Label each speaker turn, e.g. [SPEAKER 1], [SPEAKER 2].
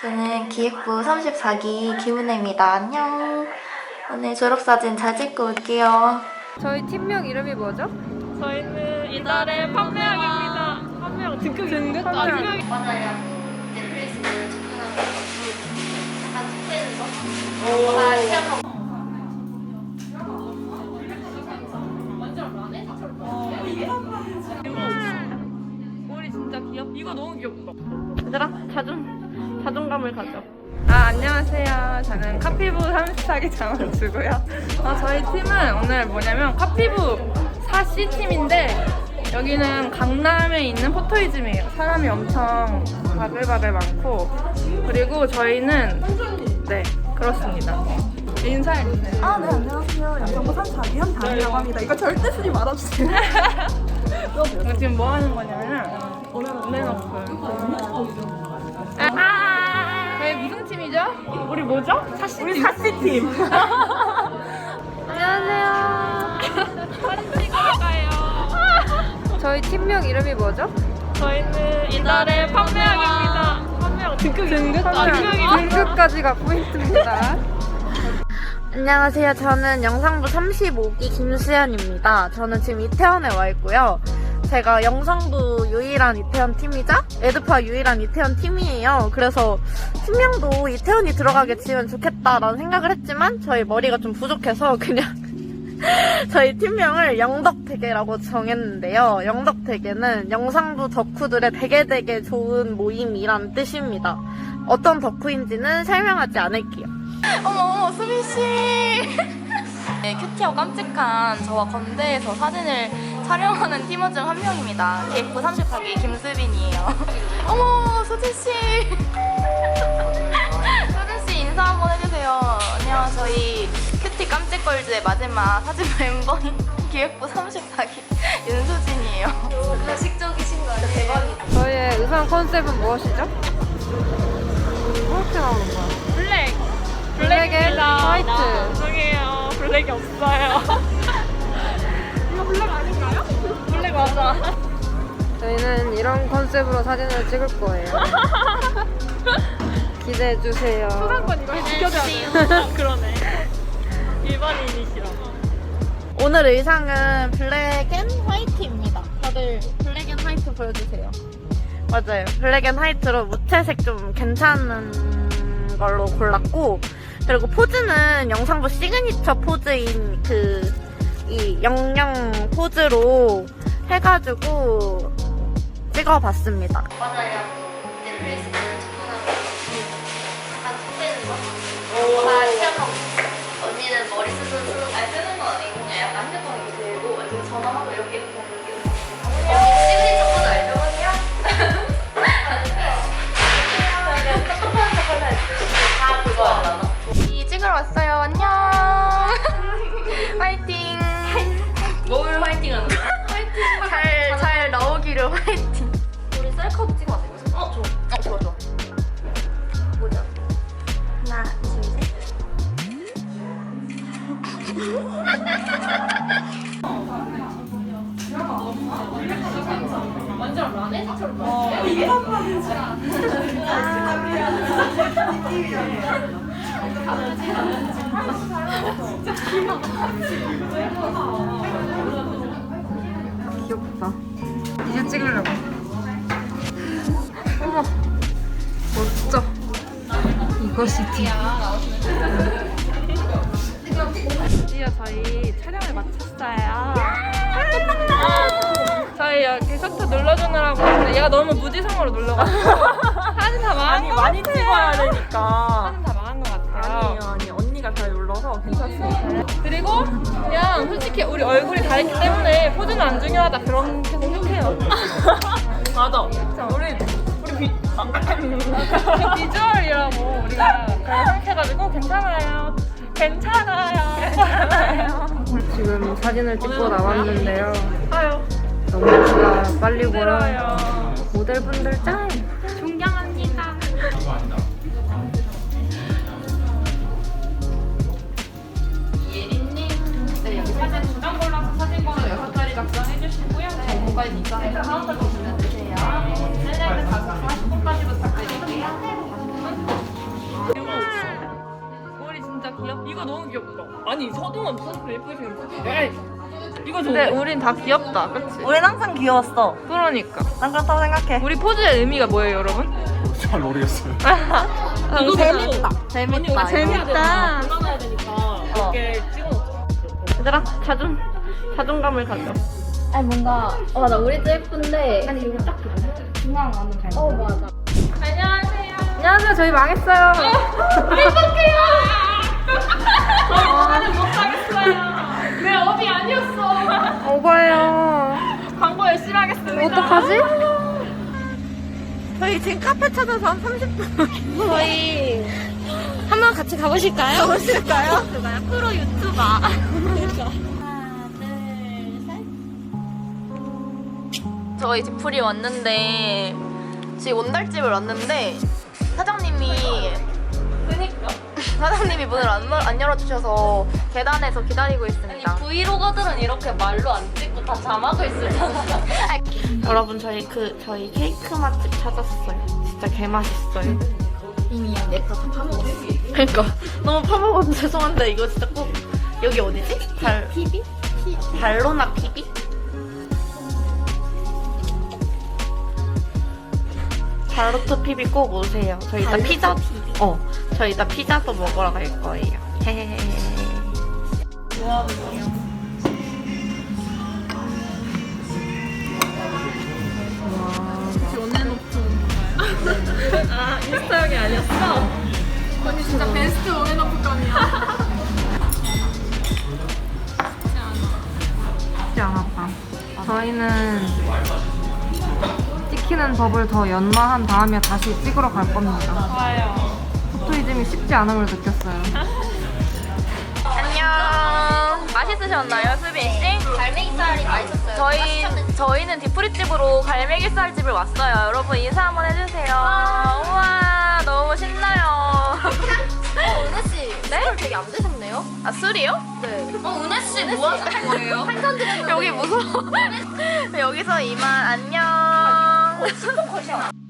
[SPEAKER 1] 저는 기획부 34기 김은혜입니다. 안녕. 오늘 졸업사진 잘 찍고 올게요.
[SPEAKER 2] 저희 팀명 이름이 뭐죠?
[SPEAKER 3] 저희는 이달의 판매왕입니다. 판매왕 등급
[SPEAKER 1] 맞아요. 넷플릭스를 접근하고 약간 특별한 거? 다 시작하고.
[SPEAKER 3] 머리 진짜 귀엽다. 이거 너무 귀엽다.
[SPEAKER 2] 얘들아, 자존감을 가져. 안녕하세요. 저는 카피부 34기 장원주고요. 저희 팀은 오늘 뭐냐면 카피부 4C팀인데 여기는 강남에 있는 포토이즘이에요. 사람이 엄청 바글바글 많고, 그리고 저희는 네, 그렇습니다. 인사해주세요.
[SPEAKER 4] 네, 안녕하세요. 영상부 34기 현다니라고 합니다. 이거 절대 쓰지 말아주세요.
[SPEAKER 2] 지금 뭐 하는 거냐면 온앤오프. 저희 무슨 팀이죠? 우리 뭐죠?
[SPEAKER 4] 우리 4C팀.
[SPEAKER 2] 안녕하세요.
[SPEAKER 3] 사진 찍으러 가요.
[SPEAKER 2] 저희 팀명 이름이 뭐죠?
[SPEAKER 3] 저희는 이달의 판매왕입니다. 판매왕
[SPEAKER 2] 등급까지가 포인트입니다. 안녕하세요. 저는 영상부 35기 김수연입니다. 저는 지금 이태원에 와 있고요. 제가 영상부 유일한 이태원 팀이자 에드파 유일한 이태원 팀이에요. 그래서 팀명도 이태원이 들어가게 지으면 좋겠다라는 생각을 했지만 저희 머리가 좀 부족해서 그냥 저희 팀명을 영덕대게라고 정했는데요. 영덕대게는 영상부 덕후들의 되게 좋은 모임이란 뜻입니다. 어떤 덕후인지는 설명하지 않을게요.
[SPEAKER 1] 어머, 수빈씨. 네, 큐티하고 깜찍한 저와 건대에서 사진을 촬영하는 팀원 중 한 명입니다. 기획부 34기 김수빈이에요. 어머, 수진씨. 수진씨 인사 한번 해주세요. 안녕, 저희 큐티 깜찍걸즈의 마지막 사진 멤버인 기획부 34기 윤수진이에요. 가식적이신 거 아니에요? 대박이다.
[SPEAKER 2] 저희의 의상 컨셉은 무엇이죠? 이렇게 나오는 거야. 블랙 앤 화이트.
[SPEAKER 3] 죄송해요. 블랙이 없어요. 이거 블랙 아닌가요? 블랙 맞아.
[SPEAKER 2] 저희는 이런 컨셉으로 사진을 찍을 거예요. 기대해주세요.
[SPEAKER 3] 소상권 이거 지켜줘야 돼요. 그러네. 일반인이시라.
[SPEAKER 1] 오늘 의상은 블랙 앤 화이트입니다. 다들 블랙 앤 화이트 보여주세요. 맞아요. 블랙 앤 화이트로 무채색 좀 괜찮은 걸로 골랐고, 그리고 포즈는 영상부 시그니처 포즈인 이 영영 포즈로 해가지고 찍어봤습니다. 맞아요. 넷플릭스를 접근하고 약간 특별한 거? 다 시작하고. 언니는 머리 쓰는 건 아니고 그냥 약간 핸드폰 이렇게 들고 이렇게 전화하고 이렇게 언니 시그니처 포즈 알죠? 언니야? 그냥 똑똑한 척 할라 했지. 다 그거 알잖아. 찍으러 왔어요. 안녕. 화이팅. 뭘 화이팅하는 거야? 화이팅. 잘 나오기를 화이팅. 우리 셀카도 찍어야 돼. 좋아. 보자. 하나, 둘, 셋.
[SPEAKER 3] 완전 라네처럼.
[SPEAKER 2] 귀엽다. 이제 찍으려고. 어머, 멋져. 이것이 드디어 저희 촬영을 마쳤어요. 저희 여기 셔터 눌러주느라고 했는데 얘가 너무 무지성으로 눌러가지고 사진 다 망한 거
[SPEAKER 4] 많이
[SPEAKER 2] 같아요.
[SPEAKER 4] 찍어야 되니까.
[SPEAKER 2] 사진 다 망한 것 같아요.
[SPEAKER 4] 아니 언니가 잘 눌러서 괜찮습니다.
[SPEAKER 2] 그리고 그냥 솔직히 우리 얼굴이 다르기 때문에 포즈는 안 중요하다 그렇게 생각해요.
[SPEAKER 4] 맞아. 우리
[SPEAKER 2] 비주얼이라고 우리가 그렇게 생각해가지고 괜찮아요. 지금 사진을 찍고 나왔는데요.
[SPEAKER 3] 아유.
[SPEAKER 2] 너무 제가 빨리 보여.
[SPEAKER 3] 힘들어요.
[SPEAKER 2] 모델분들 짱!
[SPEAKER 3] 존경합니다. 예린님. 네, 여기 사진 2장 골라서 사진번호 6자리 작성해주시고요. 전문가에 입장해서 카운터 보시면 되세요. 셀렉트 40분까지 부탁드릴게요. 너무 귀엽다. 아니 서동원 무슨 예쁘신 에이 이거 좋은데?
[SPEAKER 2] 근데 우린 다 귀엽다, 그치?
[SPEAKER 1] 우린 항상 귀여웠어.
[SPEAKER 2] 그러니까.
[SPEAKER 1] 난 그렇다고 생각해.
[SPEAKER 3] 우리 포즈의 의미가 뭐예요, 여러분?
[SPEAKER 5] 잘 모르겠어요.
[SPEAKER 3] 이거
[SPEAKER 1] 재밌다. 재밌다.
[SPEAKER 3] 재밌다. 올라가야 되니까 이렇게 찍어놓자.
[SPEAKER 2] 얘들아, 자존감을 가져.
[SPEAKER 6] 아니 뭔가 맞아 우리도 예쁜데 아니 이거 딱 중앙 안은 잘 맞아
[SPEAKER 2] 안녕하세요, 저희 망했어요.
[SPEAKER 3] 내 업이 아니었어.
[SPEAKER 2] 오버예요.
[SPEAKER 3] 광고 열심히 하겠습니다.
[SPEAKER 2] 어떡하지? 저희 지금 카페 찾아서 한 30분.
[SPEAKER 6] 저희 한번 같이 가보실까요?
[SPEAKER 2] 가보실까요? 프로 유튜버. 저희 디프리 왔는데 지금 온달집을 왔는데 사장님이 문을 안 열어주셔서 계단에서 기다리고 있습니다.
[SPEAKER 6] 브이로거들은 이렇게 말로 안 찍고 다 자막을 쓰잖아.
[SPEAKER 2] 여러분 저희 케이크 맛집 찾았어요. 진짜 개 맛있어요.
[SPEAKER 6] 이미 내거 다 파먹었어.
[SPEAKER 2] 그러니까 너무 파먹어서 죄송한데 이거 진짜 꼭 여기 어디지?
[SPEAKER 6] 피비?
[SPEAKER 2] 발로나 피비? 발로토 피비 꼭 오세요. 저희 이따 저희 이따 피자도 먹으러 갈 거예요. 헤헤헤.
[SPEAKER 3] 인스타용이 아니었어?
[SPEAKER 4] 언니 진짜 베스트 원앤오프감이야.
[SPEAKER 2] 쉽지 않았다. 저희는 찍히는 법을 더 연마한 다음에 다시 찍으러 갈 겁니다.
[SPEAKER 3] 좋아요.
[SPEAKER 2] 포토이즘이 쉽지 않음을 느꼈어요. 안녕. 맛있으셨나요, 수빈 씨?
[SPEAKER 6] 갈매기살이 맛있었어요.
[SPEAKER 2] 저희는 디프리집으로 갈매기살집을 왔어요. 여러분 인사 한번 해주세요. 우와, 너무 신나요.
[SPEAKER 6] 은혜씨
[SPEAKER 2] 네?
[SPEAKER 6] 술 되게 안 드셨네요?
[SPEAKER 2] 아, 술이요?
[SPEAKER 6] 네. 은혜씨 뭐 하시는 거예요? 한잔 드렸는데
[SPEAKER 2] 여기 무서워. 여기서 이만 안녕.